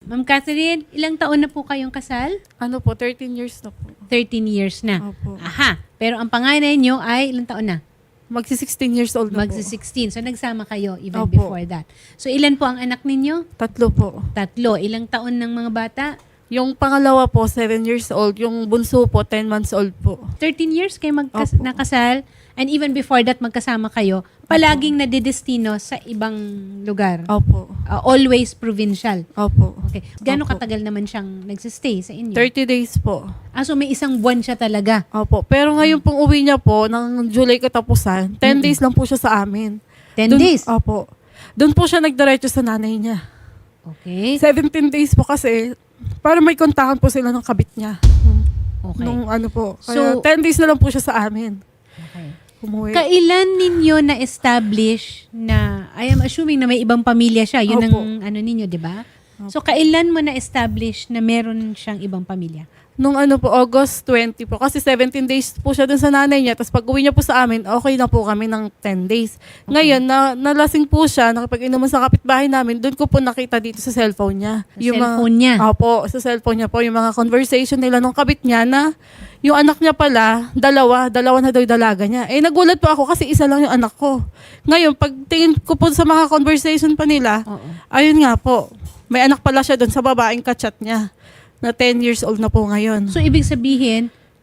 Ma'am Catherine, ilang taon na po kayong kasal? Ano po, 13 years na po. 13 years na. Opo. Aha. Pero ang panganay nyo ay ilang taon na? Magsi-16 years old na po. Magsi-16. So nagsama kayo even Opo. before that. So ilan po ang anak ninyo? 3 po. 3. Ilang taon ng mga bata? Yung pangalawa po, 7 years old. Yung bunso po, 10 months old po. 13 years kayo Opo. nakasal. And even before that, magkasama kayo. Palaging nadidestino sa ibang lugar. Opo. Always provincial. Opo. Okay. Gano'ng Opo. katagal naman siyang nagsistay sa inyo? 30 days po. So may isang buwan siya talaga. Opo. Pero ngayon pong uwi niya po, ng July katapusan, 10 days lang po siya sa amin. 10 days? Opo. Doon po siya nagdiretso sa nanay niya. Okay. 17 days po kasi, para may kontakan po sila ng kabit niya. Okay. Nung ano po. So- Kaya 10 days na lang po siya sa amin. Okay. Umuwi. Kailan ninyo na-establish na, I am assuming na may ibang pamilya siya. Yun Opo. ang ano ninyo, di ba? So, kailan mo na-establish na meron siyang ibang pamilya? Nung ano po, August 20 po. Kasi 17 days po siya dun sa nanay niya. Tapos pag uwi niya po sa amin, okay na po kami ng 10 days. Ngayon, nalasing po siya, nakipag-inuman sa kapitbahay namin, dun ko po nakita dito sa cellphone niya. Sa cellphone niya? Opo, sa cellphone niya po, yung mga conversation nila nung kabit niya na yung anak niya pala, dalawa na daw yung dalaga niya. Eh, nagulat po ako kasi isa lang yung anak ko. Ngayon, pag tingin ko po sa mga conversation pa nila, Oo. ayun nga po, may anak pala siya dun sa babaeng kachat niya na 10 years old na po ngayon. So, ibig sabihin,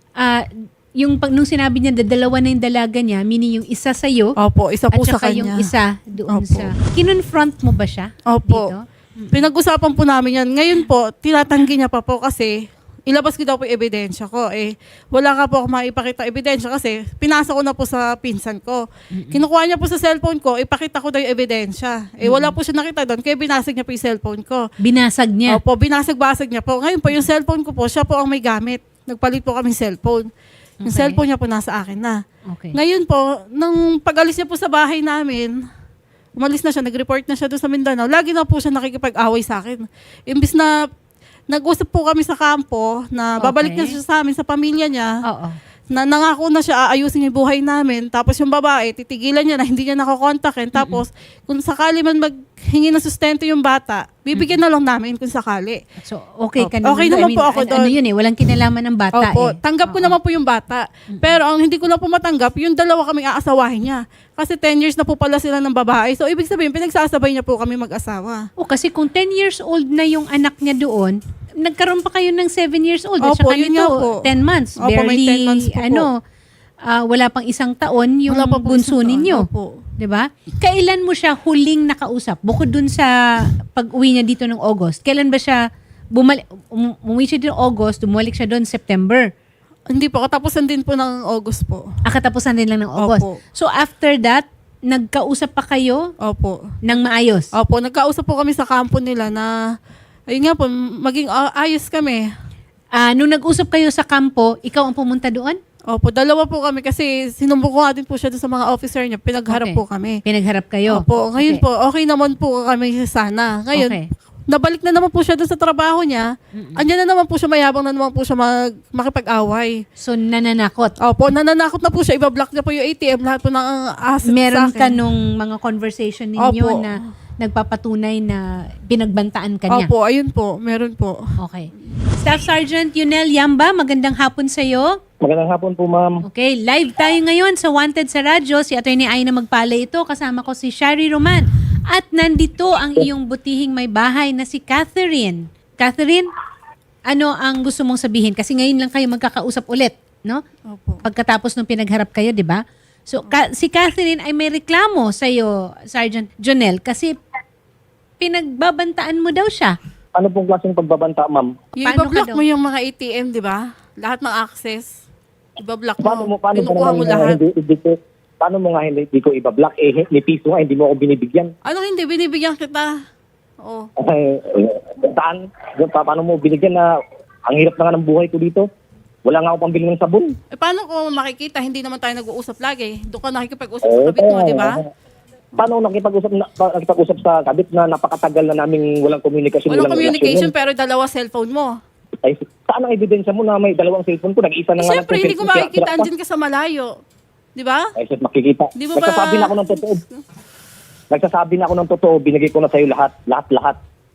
nung sinabi niya, dalawa na yung dalaga niya, meaning yung isa sa'yo, Opo, isa at po sa saka kanya. yung isa doon Opo. sa... Kinonfront mo ba siya Opo. dito? Pinag-usapan po namin yan. Ngayon po, tinatanggi niya pa po kasi ilabas ko daw po yung ebidensya ko. Eh, wala ka po ako maipakita ebidensya kasi pinasa ko na po sa pinsan ko. Kinukuha niya po sa cellphone ko, ipakita ko daw yung ebidensya. Eh, wala po siya nakita doon, kaya binasag niya po yung cellphone ko. Binasag niya. Opo, binasag-basag niya po. Ngayon po, yung cellphone ko po, siya po ang may gamit. Nagpalit po kaming cellphone. Yung Okay. cellphone niya po nasa akin na. Okay. Ngayon po, nung pag-alis niya po sa bahay namin, umalis na siya, nag-report na siya doon sa Mindanao. Lagi na po siya nakikipag-away sa akin. Imbis na nag-usap po kami sa kampo na babalik Okay. na siya sa amin, sa pamilya niya, Oo. na nangako na siya aayusin yung buhay namin. Tapos yung babae, titigilan niya na hindi niya nakokontakin. Tapos kung sakali man maghingi ng sustento yung bata, bibigyan na lang namin kung sakali. So, okay ka naman. Okay doon. naman po ako Ano doon. yun walang kinalaman ng bata Opo, eh. tanggap ko Oo. naman po yung bata. Pero ang hindi ko lang po matanggap, yung dalawa kaming aasawahin niya. Kasi 10 years na po pala sila ng babae. So, ibig sabihin, pinagsasabay niya po kami mag-asawa. O, kasi kung 10 years old na yung anak niya doon, nagkaroon pa kayo ng 7 years old. At Opo, saka yun nito, nga po. 10 months. Opo, may 10 months po Wala pang isang taon yung Wala pa po bunso isang taon. ninyo. Opo. 'Di ba? Kailan mo siya huling nakausap? Bukod dun sa pag-uwi niya dito ng August, kailan ba siya umuwi siya dito ng August, bumalik siya doon September? Hindi po, katapusan din po ng August po. Katapusan din lang ng August. Opo. So after that, nagkausap pa kayo Opo. ng maayos? Opo, nagkausap po kami sa kampo nila na, ayun nga po, maging ayos kami. Nung nag-usap kayo sa kampo, ikaw ang pumunta doon? Opo, dalawa po kami kasi sinumbong ko nga din po siya doon sa mga officer niya. Pinagharap Okay. po kami. Pinagharap kayo? Opo, ngayon Okay. po, okay naman po kami sana. Ngayon, Okay. nabalik na naman po siya doon sa trabaho niya. Andiyan na naman po siya, mayabang na naman po siya makipag-away. So, nananakot. Opo, nananakot na po siya. Iba-block niya po yung ATM, lahat po ng assets Meron sa ka akin. nung mga conversation ninyo Opo. na nagpapatunay na pinagbantaan ka niya? Opo, ayun po, meron po. Okay. Staff Sergeant Yunel Yamba, magandang hapon sa'yo. Magandang hapon po, ma'am. Okay, live tayo ngayon sa Wanted sa Radyo. Si Atty. Aina Magpala ito. Kasama ko si Shari Roman. At nandito ang iyong butihing may bahay na si Catherine. Catherine, ano ang gusto mong sabihin? Kasi ngayon lang kayo magkakausap ulit, no? Opo. Pagkatapos nung pinagharap kayo, di ba? So, si Catherine ay may reklamo sa'yo, Sergeant Jonel, kasi pinagbabantaan mo daw siya. Ano pong klaseng pagbabanta, ma'am? Yung Paano iba-block ka daw? mo yung mga ATM, di ba? Lahat ng access. Iba-block mo. Paano Kinukuha mo lahat. Paano mo nga hindi ko iba-block? Ni piso nga, hindi mo ako binibigyan. Ano hindi? Binibigyan kita. Oh. Saan? Paano mo binigyan na ang hirap na nga ng buhay ko dito? Wala nga ako pambili ng sabon. Eh, paano ko makikita? Hindi naman tayo nag-uusap lagi. Doon ka nakikipag-usap sa kabit mo, di ba? Paano nakipag-usap sa kabit na napakatagal na naming walang communication? Walang walang communication, relasyon? pero dalawa cellphone mo. Ay, saan ang ebidensya mo na may dalawang cellphone ko? Nag-isa na nga lang Siyempre, yung hindi ko cellphone, makikita. sira-sira pa. Andyan ka sa malayo. Di ba? Ay, shit, makikita. Di mo ba... Nagsasabi na ako ng totoo. Nagsasabi na ako ng totoo. Binigay ko na sa'yo lahat. Lahat.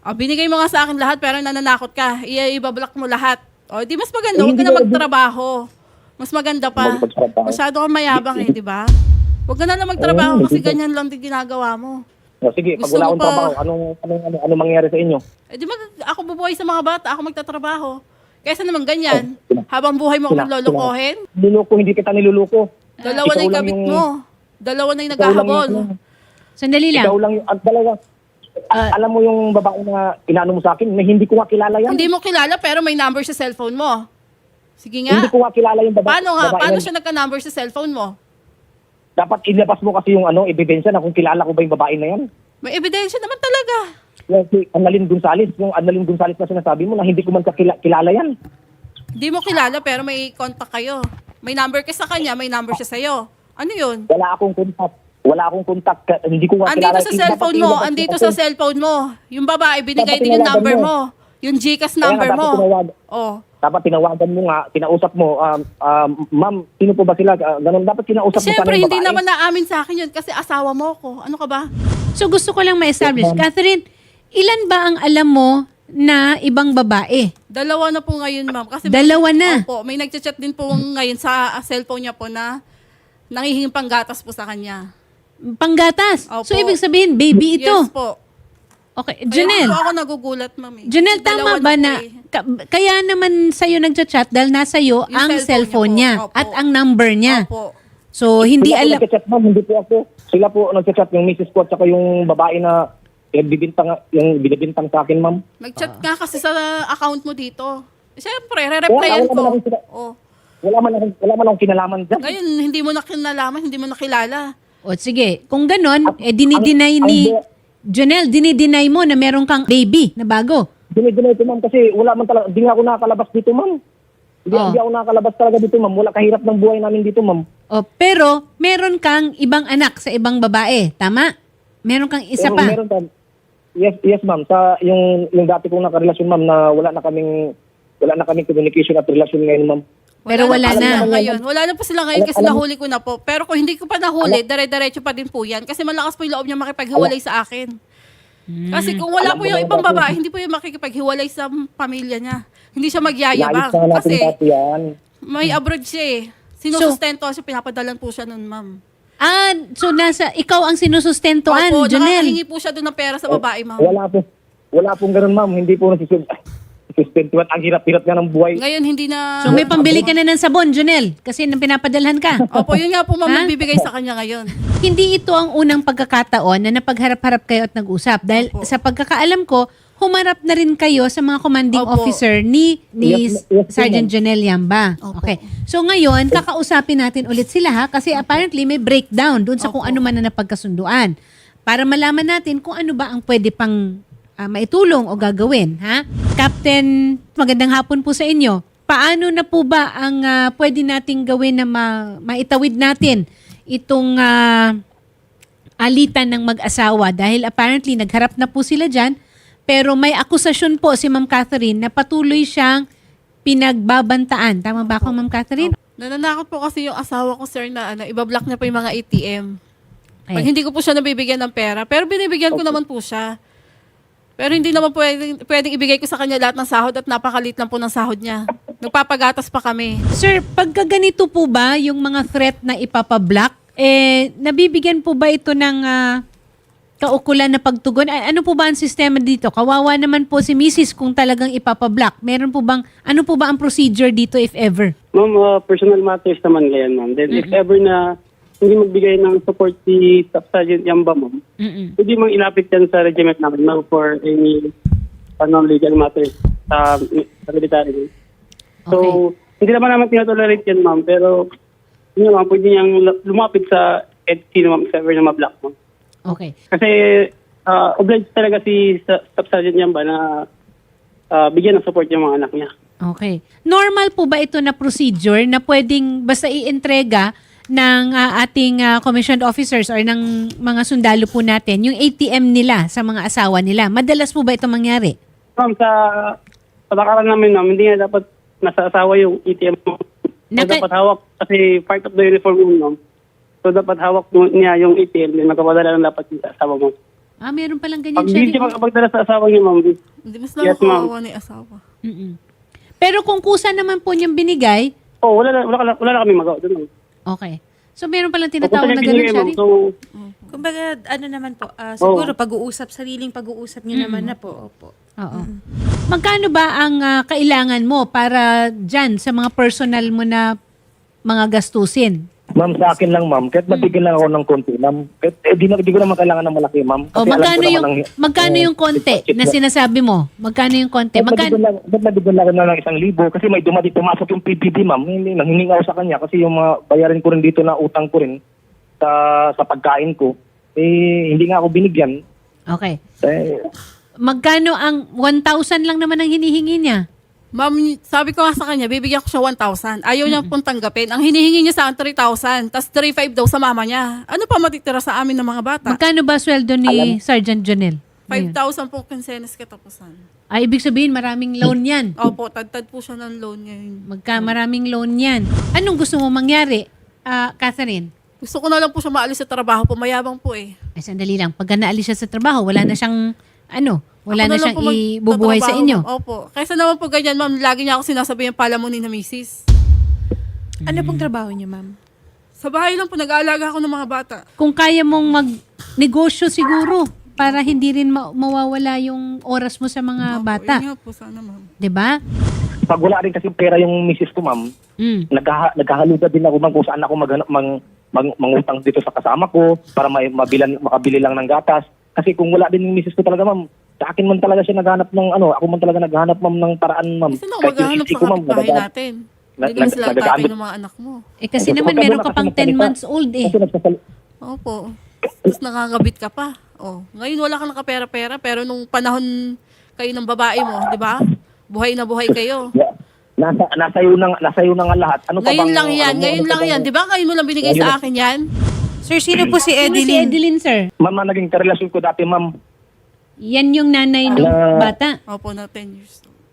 Binigay mo nga sa akin lahat pero nananakot ka. Ibablock mo lahat. O, di mas maganda. Eh, Huwag ka hindi na ko- magtrabaho. Mas maganda pa. Magtrabaho. Masyado kang mayabang eh, di ba? Huwag ka na lang magtrabaho kasi ganyan lang din ginagawa mo. O, sige, pag Gusto wala mo akong pa- trabaho, ano mangyayari sa inyo? Eh, di ako bubuhay sa mga bata, ako magtatrabaho. Kaysa naman ganyan, Oh, habang buhay mo akong lolokohin, Niluluko, hindi kita niluluko. dalawa na Ikaw yung lang kabit yung- mo. Dalawa na yung Ikaw lang naghahabol. Sandali lang. Ikaw lang yung, at dalawa. Alam mo yung babae na inaano mo sa akin, na hindi ko nga kilala yan. Hindi mo kilala pero may number sa cellphone mo. Sige nga. Hindi ko nga kilala yung babae. Paano nga? babae Paano na- siya nagka-number sa cellphone mo? Dapat ilabas mo kasi yung ebidensya na kung kilala ko ba yung babae na yan. May ebidensya naman talaga. Yung si Annalyn Gonzales na sinasabi mo na hindi ko man kilala yan. Hindi mo kilala pero may contact kayo. May number ka sa kanya, may number siya sa'yo. Ano yun? Wala akong contact. Hindi ko nga Andito kilala. sa cellphone mo, andito sa cellphone mo. Yung babae, binigay din yung number mo. Yung GCash number mo. Oh. Dapat tinawagan mo nga, kinausap mo, ma'am, sino po ba sila? Ganun, dapat kinausap mo Siyempre, sana yung hindi babae. naman naamin sa akin yun kasi asawa mo ko. Ano ka ba? So gusto ko lang ma-establish. Catherine, ilan ba ang alam mo na ibang babae? Dalawa na po ngayon, ma'am. Kasi Dalawa na? Opo, may nagchat din po ngayon sa cellphone niya po na nangihinging panggatas po sa kanya. Panggatas. Opo. So ibig sabihin, baby ito. Yes po. Okay, Kaya Janelle. po ako nagugulat, ma'am. Janelle, Dalawa tama ba po na, eh. kaya naman sa'yo nagchat-chat dahil nasa iyo Yung ang cellphone cellphone niya niya po. Opo. at ang number niya. Opo. So, hindi Sila po alam. nagchat, ma'am, hindi po ako. Sila po nagchat, yung misis ko at saka yung babae na binibintang sa akin, ma'am. Nagchat nga kasi sa account mo dito. Siyempre, re-replyan Wala ko. naman sila. Oh. Wala man akong kinalaman dyan. Ngayon, hindi mo na kinalaman, hindi mo na kilala. O sige, kung ganon, dinideny ang- ni Janelle, dinideny mo na meron kang baby na bago. Dinidinay ko, ma'am, kasi wala man talaga, di nga ako nakakalabas dito, ma'am. Hindi ako nakakalabas talaga dito, ma'am. Wala kahirap ng buhay namin dito, ma'am. O, pero meron kang ibang anak sa ibang babae, tama? Meron kang isa pa. Meron pa. Yes, ma'am. Sa yung dati kong nakarelasyon, ma'am, na wala na kaming communication at relasyon ngayon, ma'am. Pero wala po na. sila ngayon. Wala na po sila ngayon kasi nahuli ko na po. Pero kung hindi ko pa nahuli, dire-diretso pa din po yan. Kasi malakas po yung loob niya makipaghiwalay sa akin. Kasi kung wala po yung ibang babae, hindi po yung makikipaghiwalay sa pamilya niya. Hindi siya magyayabang. Naayos na natin Kasi dati yan. may abroad siya eh. Sinusustento siya, pinapadalan po siya nun, ma'am. So ikaw ang sinusustentuan, Opo, Janelle. nakakahingi po siya doon ng pera sa babae, ma'am. Wala pong ganun, ma'am. Hindi po nasustentuan. Ang hirap-hirap nga ng buhay. Ngayon, hindi na... So may pambili ka na ng sabon, Janelle, kasi nang pinapadalhan ka. Opo, yun nga po, ma'am, Ha? nagbibigay sa kanya ngayon. Hindi ito ang unang pagkakataon na napagharap-harap kayo at nag-usap. Dahil Opo. sa pagkakaalam ko, humarap na rin kayo sa mga commanding Opo. officer ni Yes, Sergeant ma'am. Janelle Yamba. Opo. Okay. So ngayon, kakausapin natin ulit sila ha kasi apparently may breakdown dun sa kung ano man na napagkasunduan. Para malaman natin kung ano ba ang pwede pang maitulong o gagawin. Ha? Captain, magandang hapon po sa inyo. Paano na po ba ang pwede nating gawin na maitawid natin itong alitan ng mag-asawa? Dahil apparently nagharap na po sila dyan. Pero may akusasyon po si Ma'am Catherine na patuloy siyang pinagbabantaan. Tama ba ako, Ma'am Catherine? Nananakot po kasi yung asawa ko, sir, na ibablock niya pa yung mga ATM. Pag Ay. hindi ko po siya nabibigyan ng pera. Pero binibigyan ko naman po siya. Pero hindi naman pwedeng ibigay ko sa kanya lahat ng sahod at napakalit lang po ng sahod niya. Nagpapagatas pa kami. Sir, pagka ganito po ba yung mga threat na ipapablock, nabibigyan po ba ito ng kaukulan na pagtugon? Ano po ba ang sistema dito? Kawawa naman po si Mrs. kung talagang ipapablock. Meron po bang, ano po ba ang procedure dito if ever? Ma'am, personal matters naman ngayon, ma'am. Then if ever na hindi magbigay ng support si Staff Sergeant Yamba, ma'am, pwede mang ilapit yan sa regiment namin, ma'am, for any legal matters sa military. So, hindi naman naman tinatolerate yan, ma'am, pero yun, ma'am, pwede niyang lumapit sa EDC, ma'am, if ever na ma-block, ma'am. Okay. Kasi obliged talaga si Staff Sergeant Yamba na bigyan ng support yung mga anak niya. Okay. Normal po ba ito na procedure na pwedeng basta i-entrega ng ating commissioned officers or ng mga sundalo po natin yung ATM nila sa mga asawa nila? Madalas po ba ito mangyari? Ma'am, sa patakaran namin, ma'am, hindi nga dapat nasa asawa yung ATM mo. So, dapat hawak kasi part of the uniform mo, ma'am. So, dapat hawak niya yung ATM din. Magkapadala lang dapat yung asawa mo. Meron palang ganyan, Pag hindi Sherry. siya makapagdala sa asawa niya, ma'am, Hindi mas Yes, ma'am. nakakawawa ni asawa. Mm-mm. Pero kung kusa naman po niyang binigay, wala na kami magawa doon. okay. So meron palang Kung tinatawag na niya ganun, binigay, ma'am, Sherry? so, Kumbaga, ano naman po, siguro pag-uusap, sariling pag-uusap niyo naman na po. Opo. Oo. Magkano ba ang kailangan mo para dyan sa mga personal mo na mga gastusin? Ma'am, sa akin lang, ma'am. Kahit mabigyan lang ako ng konti, ma'am. Kahit di ko naman kailangan ng malaki, ma'am. O Kasi alam ko magkano naman yung ang- magkano yung konti na sinasabi mo? Magkano yung konti? Kahit Magkano? mabigyan lang ako ng 1,000 kasi may pumasok yung PBB, ma'am. Nanghihingi ako sa kanya kasi yung mga bayarin ko rin dito na utang ko rin sa pagkain ko. Hindi nga ako binigyan. Okay. Eh, Magkano ang 1,000 lang naman ang hinihingi niya? Ma'am, sabi ko nga sa kanya, bibigyan ko siya 1,000. Ayaw niya pong tanggapin. Ang hinihingi niya sa akin 3,000, tapos 3,500 daw sa mama niya. Ano pa matitira sa amin ng mga bata? Magkano ba sweldo ni Sergeant Jonel? 5,000 po kinsenas katapusan. Ay, ibig sabihin maraming loan yan. Opo, tad po siya ng loan ngayon. Maraming loan yan. Anong gusto mo mangyari, Catherine? Gusto ko na lang po siya maalis sa trabaho, pumayabang po eh. Ay, sandali lang. Pagka naalis siya sa trabaho, wala na siyang, wala Ako na lang siyang po ibubuhay sa magtatrabaho, inyo. ma'am. Opo. Kaysa naman po ganyan, ma'am, lagi niya ako sinasabi yung palamunin na misis. Ano pong trabaho niyo, ma'am? Sa bahay lang po, nag-aalaga ako ng mga bata. Kung kaya mong mag-negosyo siguro para hindi rin mawawala yung oras mo sa mga Opo, bata. yun nga po, sana ma'am. 'Di ba? pag wala rin kasi pera yung misis ko, ma'am, naghahaluga din ako, ma'am, kung saan ako mangutang dito sa kasama ko para makabili lang ng gatas. Kasi kung wala din yung misis ko talaga, ma'am, sa akin man talaga siya naghanap ng ako man talaga naghanap, ma'am, ng paraan, ma'am. Kasi nung Kahit yung maghahanap sisi sa ko, ma'am, kapitbahay natin. Hindi naman sila ang tatay nagagamit. ng mga anak mo. Eh kasi Kasi naman pagka meron wala ka kasi pang 10 magsalita. months old eh. Kasi Opo. Tapos nakakabit ka pa. Oh, ngayon wala kang nakapera-pera, pero nung panahon kayo ng babae mo, di ba? Buhay na buhay kayo. nasa iyo na nga lahat. Ano pa Ngayon bang, lang yan, ngayon lang yan. Di ba? Ngayon mo lang binigay sa akin yan. Sir, sino po si Sino si Edeline? Edeline, sir? Ma'am, na naging karelasyon ko dati, ma'am. Yan yung nanay ng bata. Opo, na 10 years old.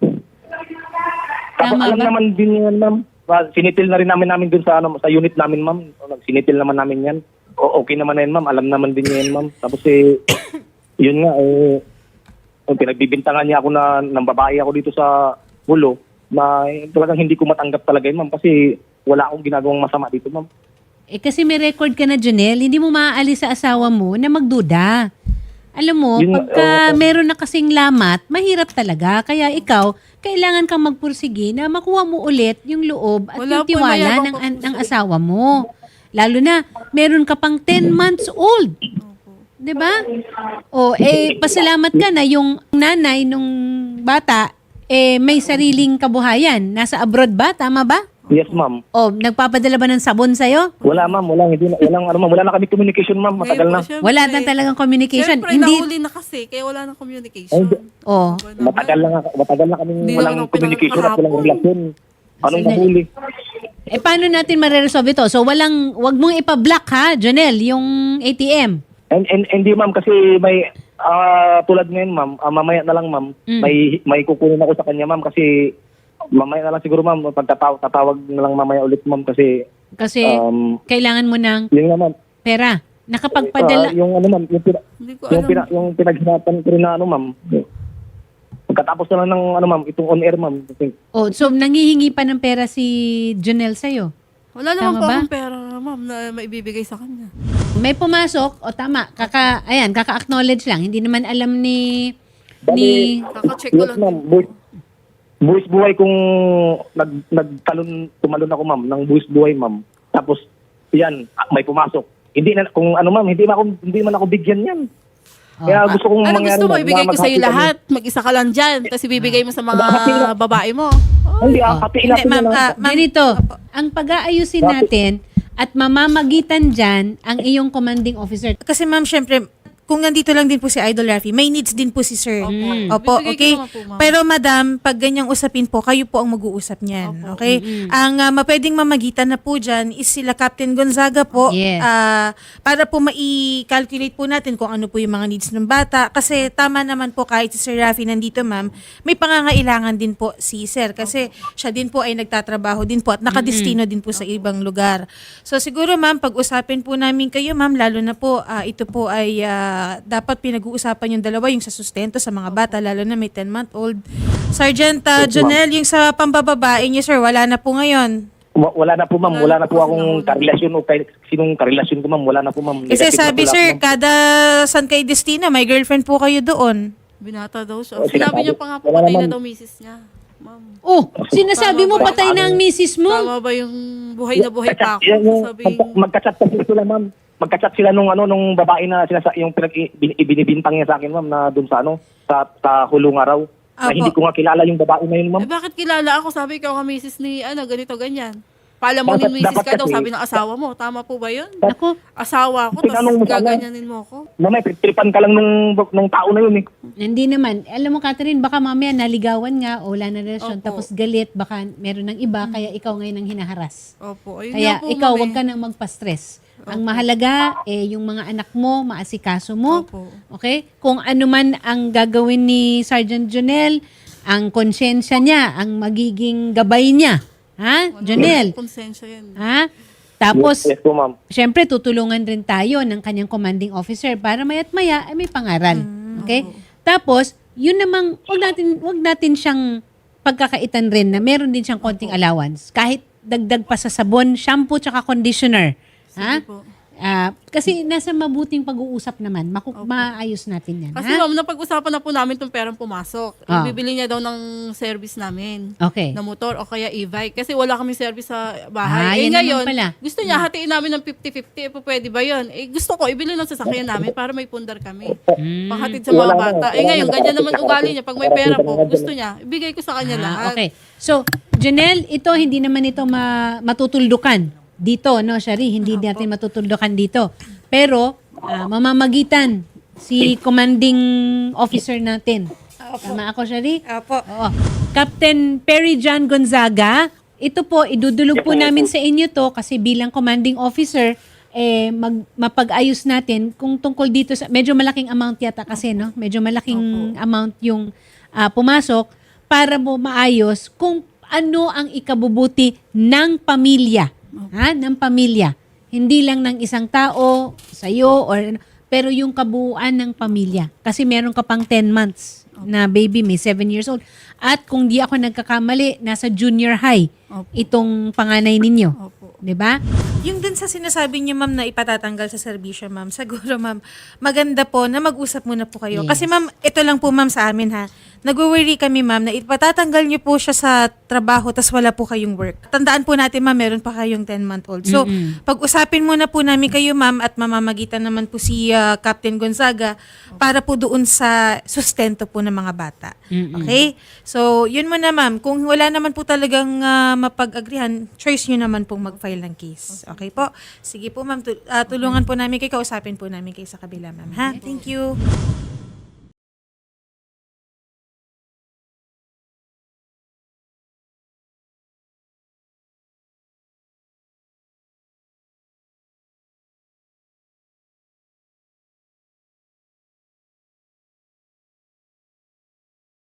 Tapos Tama alam ba? naman din yan, ma'am. Sinitil na rin namin dun sa unit namin, ma'am. Sinitil naman namin yan. Okay naman na yan, ma'am. Alam naman din yan, ma'am. Tapos yun nga, pinagbibintangan niya ako ng babae ako dito sa Hulo na talagang hindi ko matanggap talaga yun, ma'am. Kasi wala akong ginagawang masama dito, ma'am. Eh kasi may record ka na, Jonel, hindi mo maaalis sa asawa mo na magduda. Alam mo, Yun nga, pagka meron na kasing lamat, mahirap talaga. Kaya ikaw, kailangan kang magpursige na makuha mo ulit yung loob at Wala yung po, tiwala mayabang pa po ng asawa mo. Lalo na, meron ka pang 10 months old. 'Di ba? O, pasalamat ka na yung nanay nung bata, may sariling kabuhayan. Nasa abroad ba? Tama ba? Yes, ma'am. O, nagpapadala ba ng sabon sa'yo? Wala, ma'am. Wala na kami communication, ma'am. Matagal na. Ngayon po, Wala syempre. na talagang communication. Syempre, Hindi, nahuli na kasi, kaya wala na communication. oh, Matagal na kami Hindi walang naman ako communication at walang pinakahapon. relasyon. Anong nahuli? paano natin mareresolve ito? So, wag mong ipa-block ha, Jonel, yung ATM. And hindi, ma'am, kasi may tulad ngayon, ma'am, mamaya na lang, ma'am, may kukunin ako sa kanya, ma'am, kasi mamaya na lang siguro, ma'am, tatawag na lang mamaya ulit, ma'am, kasi Kasi, kailangan mo ng yun nga, ma'am. pera. Nakapagpadala. Yung ma'am, Hindi ko alam. yung pinaghirapan ko rin na ma'am. Pagkatapos na lang ng ma'am, itong on-air, ma'am. Oh, so, nangihingi pa ng pera si Jonel sa'yo. Wala naman Tama po ba? akong pera, ma'am, na maibibigay sa kanya. May pumasok, o tama, kaka-acknowledge lang. Hindi naman alam ni Kaka-check ko Yes, lang. ma'am. Buwis buhay kung tumalon ako, ma'am, ng buwis buhay, ma'am. Tapos, yan, may pumasok. Hindi na, kung ma'am, hindi man ako bigyan yan. Kaya gusto kong Ano mangyari, gusto mo? ma'am, Ibigay na ko sa'yo maghati kami. lahat. Mag-isa ka lang dyan. Tapos ibigay mo sa mga babae mo. Hindi, hatiin Hindi, natin ma'am, na lang. ganito, ang pag-aayusin natin at mamamagitan dyan ang iyong commanding officer. Kasi ma'am, syempre, kung nandito lang din po si Idol Rafi, may needs din po si Sir. Opo, Bibigay ko okay? naman po, ma'am. Pero madam, pag ganyang usapin po, kayo po ang mag-uusap niyan. Okay? Ang mapwedeng mamagitan na po dyan is sila Captain Gonzaga po. Yes. Para po mai-calculate po natin kung ano po yung mga needs ng bata. Kasi tama naman po kahit si Sir Rafi nandito ma'am, may pangangailangan din po si Sir. Kasi siya din po ay nagtatrabaho din po at nakadestino din po sa ibang lugar. So siguro ma'am, pag-usapin po namin kayo ma'am, lalo na po ito po ay dapat pinag-uusapan yung dalawa, yung sa sustento sa mga bata, lalo na may 10-month-old. Sergeant Jonel, yung sa pambababae niyo, sir, wala na po ngayon. Wala na po, ma'am. Wala na po akong karelasyon o kahit sinong karelasyon ko, ma'am. Wala na po, ma'am. Kasi Negative na sabi, po lahat, sir, ma'am. kada San kay Destina, may girlfriend po kayo doon. Binata daw siya. Oh, Sinabi niya pa nga po, wala patay na naman. daw misis niya. Ma'am. Oh, sinasabi mo patay na ang misis mo? Tama ba yung buhay na buhay pa ako? Sabi, Magkachat kasi sila, ma'am. Magkachat sila nung babae na yung ibinibintang niya sa akin, ma'am, na doon sa sa hulong araw. Na Apo. hindi ko nga kilala yung babae na yun, ma'am. bakit kilala ako? Sabi ko, misis ni, ganito, ganyan. Paalam mo ni Dapat- misis dapat ka daw, kasi- sabi ng asawa mo. Tama po ba yun? Ako, Asawa ko, Tinanong mo tapos sana. gaganyanin mo ako. Mamay, tripan ka lang nung tao na yun, eh. hindi naman. Alam mo, Catherine, baka mamaya naligawan nga o wala na relasyon, Opo. tapos galit, baka meron ng iba, kaya ikaw ngayon ang hinaharas. Opo, ayun Kaya nga po, ikaw, ma'am, wag ka nang magpa-stress. Ang mahalaga, yung mga anak mo, maasikaso mo. Opo. Okay? Kung ano man ang gagawin ni Sergeant Jonel, ang konsensya niya, ang magiging gabay niya. Ha? Jonel? Konsensya yan. Ha? Tapos, Yes po, ma'am. syempre, tutulungan rin tayo ng kanyang commanding officer para maya't maya ay may pangaral. Okay? Tapos, yun namang, wag natin siyang pagkakaitan rin na meron din siyang konting allowance. Kahit dagdag pa sa sabon, shampoo, tsaka conditioner. Ha? po. Kasi nasa mabuting pag-uusap naman, maayos natin yan. Kasi Ha? ma'am, napag-usapan na po namin itong perang pumasok. Ah. Ibibili niya daw ng service namin. Okay. Na motor o kaya e-bike. Kasi wala kami service sa Ah, bahay. yan Ngayon, naman pala. gusto niya hatiin namin ng 50-50. Pwede ba yun? Gusto ko, ibili ng sasakyan namin para may pundar kami. Panghatid sa mga bata. Ngayon, ganyan naman ugali niya. Pag may pera po, gusto niya, ibigay ko sa kanya lahat. Okay. So, Janelle, ito hindi naman ito matutuldukan dito, no, Shari? Hindi natin matutuldukan dito. Pero, mamamagitan si commanding officer natin. Tama ako, Shari? Apo. Oo. Captain Perry John Gonzaga, ito po, idudulog po namin sa inyo to kasi bilang commanding officer, mapag-ayos natin kung tungkol dito sa, medyo malaking amount yata kasi, no? Medyo malaking amount yung pumasok para mo maayos kung ano ang ikabubuti ng pamilya. Ha? Ng pamilya. Hindi lang ng isang tao, sa'yo, pero yung kabuuan ng pamilya. Kasi meron ka pang 10 months na baby, may 7 years old. At kung di ako nagkakamali, nasa junior high itong panganay ninyo. Opo. 'Di ba? Yung dun sa sinasabi niyo, ma'am, na ipatatanggal sa serbisyo, ma'am, siguro, ma'am, maganda po na mag-usap muna po kayo. Yes. Kasi, ma'am, ito lang po, ma'am, sa amin, ha. Nag-worry kami, ma'am, na ipatatanggal niyo po siya sa trabaho tas wala po kayong work. Tandaan po natin, ma'am, meron pa kayong 10-month-old. So, pag-usapin muna po namin kayo, ma'am, at mamamagitan naman po si Captain Gonzaga para po doon sa sustento po ng mga bata. Okay? So, yun muna, ma'am. Kung wala naman po talagang mapag-agrihan, choice nyo naman pong mag-file ng case. Okay po? Sige po, ma'am. Tulungan po namin kayo. Kausapin po namin kayo sa kabila, ma'am. Ha? Thank you.